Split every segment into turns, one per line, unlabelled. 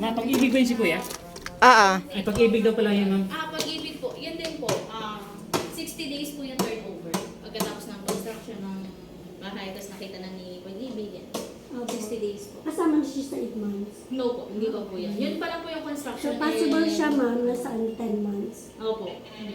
Pag-ibig ba yun si Kuya? Ay, pag-ibig daw pala yun, ma'am.
Pag-ibig po, yan din po. 60 days po yung turnover. Pagkatapos ng construction ng bahay, tapos nakita na ni pag-ibig yan. 60 days po.
Kasama na siya sa 8 months.
No po, hindi pa po yan. Yun pa lang po yung
So,
construction.
possible siya, ma'am, na saan 10 months.
Opo.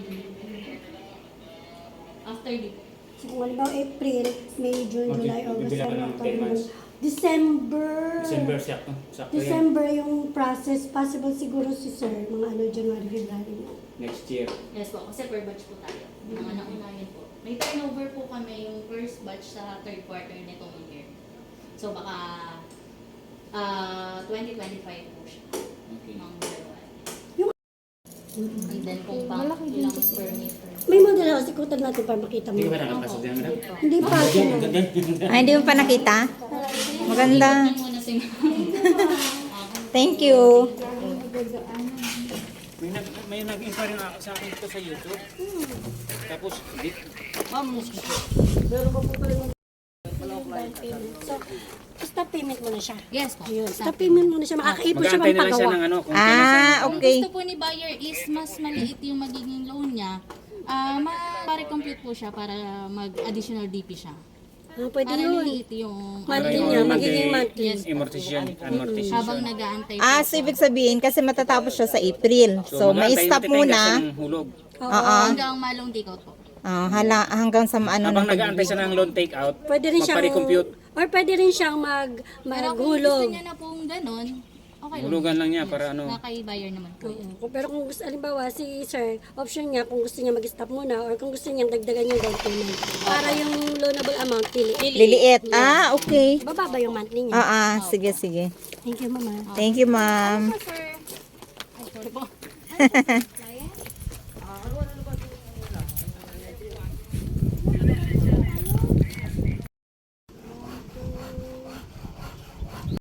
After di po.
So, kung halimbawa April, May, June,
Okay,
July, August,
bibila ka ng
September,
10 months.
December.
December, sakto. Sakto yan.
December yung process. Possible siguro si sir, mga January, February na.
Next year.
Yes po, kasi per batch po tayo. Mga naunahin po. May turnover po kami yung first batch sa third quarter nitong year. So baka 2025 po siya.
Okay.
Mga February.
Yung-
And then kung pa ilang square meter.
May model house, ikutan natin para makita mo.
Hindi ka ba nakapasok dyan, madam?
Hindi pa.
Ang ganda.
Ay, hindi mo pa nakita? Maganda.
Yan muna si
Thank you.
May nag-inquire nga sa akin dito sa YouTube. Tapos, di, ma'am,
So, stop payment mo na siya.
Yes po.
Ayun, stop payment mo na siya. Makakaipon siya
mag-aantay na lang siya
pampagawa.
ng ano. Kung kailan siya-
Kung
Okay.
gusto po ni buyer is mas maliit yung magiging loan niya, ma-recompute po siya para mag-additional DP siya.
Pwede
Para
yun.
liliit yung
Monthly
Yung
niya,
monthly
magiging monthly.
amortization.
habang nag-aantay po.
So ibig sabihin, kasi matatapos siya sa April. So, may
mag-aantay,
stop
titay
muna.
siya ng hulog.
Hanggang malong take out po.
Hanggang sa ano
Habang
na
nag-aantay siya ng loan take out,
Pwede rin siyang,
magpa-recompute.
or pwede rin siyang
Pero kung gusto
maghulog.
niya na pong ganun, okay lang.
Hulugan lang niya para ano.
Nakay buyer naman po.
Pero kung gusto, alimbawa, si sir, option niya kung gusto niya mag-stop muna or kung gusto niya dagdagan yung down payment. Para yung loanable amount, pili.
liliit. Okay.
Bababa yung monthly niya.
Sige, sige.
Thank you, mama.
Thank you, ma'am.
Sir, sorry po.